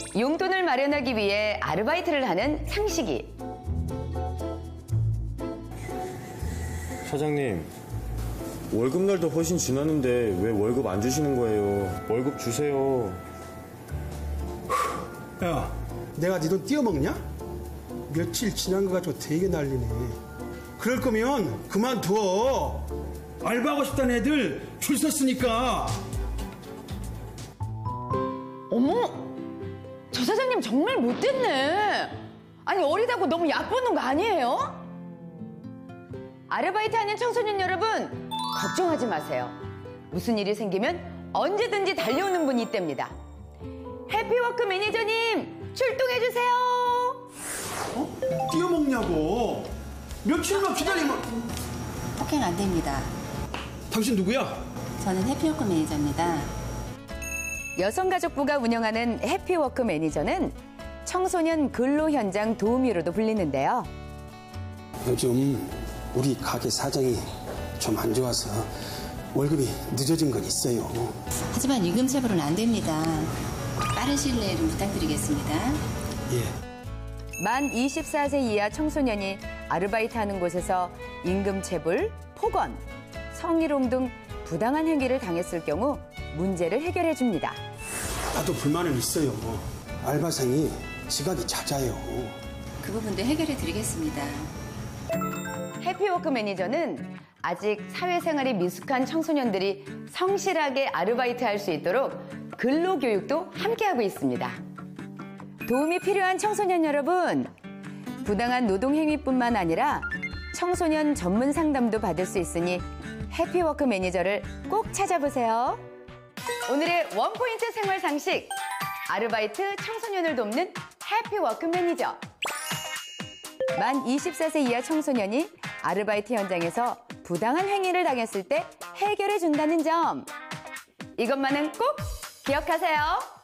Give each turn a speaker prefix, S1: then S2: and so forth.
S1: 용돈을 마련하기 위해 아르바이트를 하는 상식이.
S2: 사장님, 월급날도 훨씬 지났는데 왜 월급 안 주시는 거예요? 월급 주세요.
S3: 야, 내가 네 돈 띄어먹냐? 며칠 지난 거 가지고 되게 난리네. 그럴 거면 그만둬. 알바하고 싶다는 애들 줄 섰으니까.
S1: 어머, 저 사장님 정말 못됐네. 아니, 어리다고 너무 얕보는 거 아니에요? 아르바이트하는 청소년 여러분, 걱정하지 마세요. 무슨 일이 생기면 언제든지 달려오는 분이 있답니다. 해피워크 매니저님, 출동해주세요.
S3: 띄어먹냐고. 며칠만 기다리면.
S4: 폭행 안 됩니다.
S3: 당신 누구야?
S4: 저는 해피워크 매니저입니다.
S1: 여성가족부가 운영하는 해피워크 매니저는 청소년 근로 현장 도우미로도 불리는데요.
S5: 요즘 우리 가게 사정이 좀 안 좋아서 월급이 늦어진 건 있어요.
S4: 하지만 임금체불은 안 됩니다. 빠른 시일 내에 좀 부탁드리겠습니다.
S5: 예.
S1: 만 24세 이하 청소년이 아르바이트하는 곳에서 임금체불, 폭언, 성희롱 등 부당한 행위를 당했을 경우 문제를 해결해 줍니다.
S5: 나도 불만은 있어요. 알바생이 지각이 잦아요.
S4: 그 부분도 해결해 드리겠습니다.
S1: 해피워크 매니저는 아직 사회생활이 미숙한 청소년들이 성실하게 아르바이트할 수 있도록 근로교육도 함께하고 있습니다. 도움이 필요한 청소년 여러분, 부당한 노동행위뿐만 아니라 청소년 전문 상담도 받을 수 있으니 해피워크 매니저를 꼭 찾아보세요. 오늘의 원포인트 생활 상식, 아르바이트 청소년을 돕는 해피워크 매니저. 만 24세 이하 청소년이 아르바이트 현장에서 부당한 행위를 당했을 때 해결해 준다는 점. 이것만은 꼭 기억하세요.